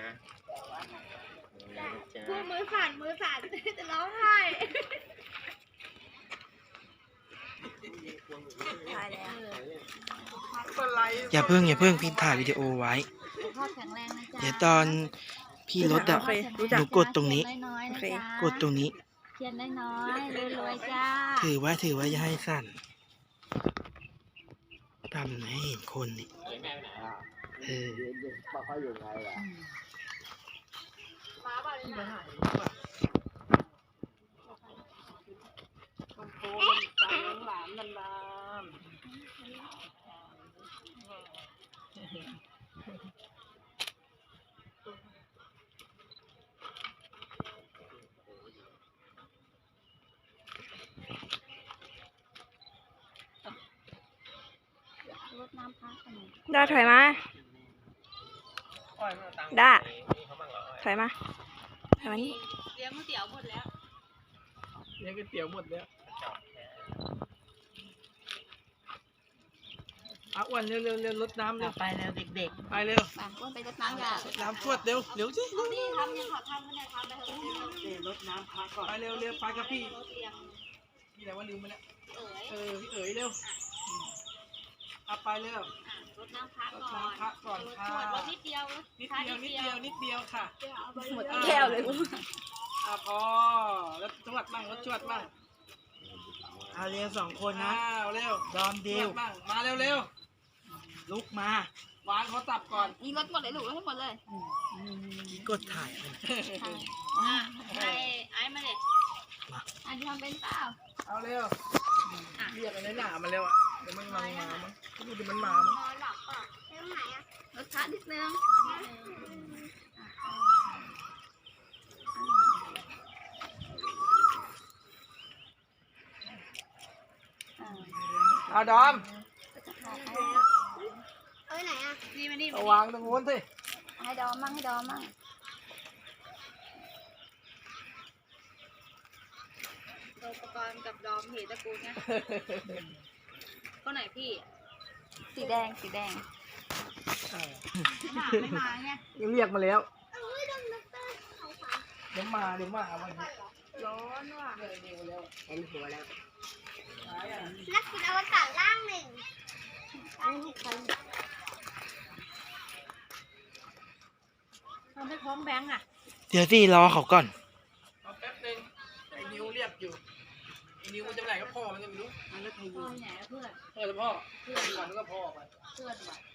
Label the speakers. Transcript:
Speaker 1: พูดมือสั่นจะร้องไห้
Speaker 2: อย่าเพิ่งพี่ถ่ายวิดีโอไว้
Speaker 1: พ่อแข็งแรงนะจ๊ะ
Speaker 2: เดี๋ยวตอนพี่ลดอ่ะหนูกดตรงนี้ กดตรงนี้
Speaker 1: เทียนน้อยๆรวยๆจ้า
Speaker 2: ถือไว้อย่าให้สั่นทำให้เห็นคนนี่
Speaker 1: รดน้ำพระกัน
Speaker 3: ได้ถอยมาได้ถอยมานี่
Speaker 1: เลี้ยงก๋วยเตี๋ยวหมดแล้ว
Speaker 2: เลี้ยงก๋วยเตี๋ยวหมดแล้วอ้วนเร็วรดน้ำเร็วไปแล้วเด็กๆไปเร็ว
Speaker 1: บางคนไปรดน้ำกัน
Speaker 2: รดน้ำชวดเร็วสิ
Speaker 1: นี่ทำยังขอทำกันเลยทำไปเถอะ
Speaker 2: รดน้ำพักก่อนไปเร็วไปกับพี่
Speaker 1: รถเตียง
Speaker 2: พี่ไหนว่าลืมไปแล้ว
Speaker 1: เอ๋ย
Speaker 2: พี่เอ๋ยเร็วเอาไปเร็ว
Speaker 1: รถน้ำพระก่อน
Speaker 2: รดน้ำพระก่อนค่ะ
Speaker 1: รถนิดเดียว
Speaker 2: นิดเดียวค่ะ
Speaker 1: หมด
Speaker 3: แก้วเลย
Speaker 2: พอแล้วจวดบ้างรถจวดบ้างเอาเร็ว2 คนนะเร็วดอมเดียวมาเร็วลุกมาวางเขาตับก่อน
Speaker 1: นี่รถหมดเลยลูกรถให้หมดเลย
Speaker 2: กดถ่ายเลย
Speaker 1: ไอ้มาเลยอันนี้ทำเป็นเปล่า
Speaker 2: เอาเร็วเรียกอะไรหนามันเร็วอ่ะเดี๋ยวมันมามั้งดูดิมันมามั้ง
Speaker 1: นอนหลับป่ะเรื่องไหนอะรถช้านิดนึง
Speaker 2: เอาดอม
Speaker 1: ไหนอะนี่มานี่
Speaker 2: เอาวางตรงโน้นสิ
Speaker 1: ให้ดอมมั่งอุปกรณ์กับดอมเหตุตระกูลเนี่ยก็ไหนพี่
Speaker 3: สีแดง
Speaker 1: ไม่มาเนี่ย
Speaker 2: เรียกมาแล้วเดี๋ยวมาวันนี้
Speaker 1: ร้อนว่ะ
Speaker 2: เห็นหัวแล้ว
Speaker 1: นักกินอวกาศล่างหนึ่งทำให้พร้อมแบงค์อ่ะ
Speaker 2: เดี๋ยวสิรอเขาก่อนเอาแป๊บนึงไอ้นิวเรียกอยู่ไอ้นิวมันจะไปไหนก็พ่อมันจะไม่รู้มันก็ใครอยู่
Speaker 1: พ่อไหนเพื่อน
Speaker 2: พ่อจะพ่อเพื่อนก่อนแล้วก็พ่อไป
Speaker 1: เพื่อนว่ะ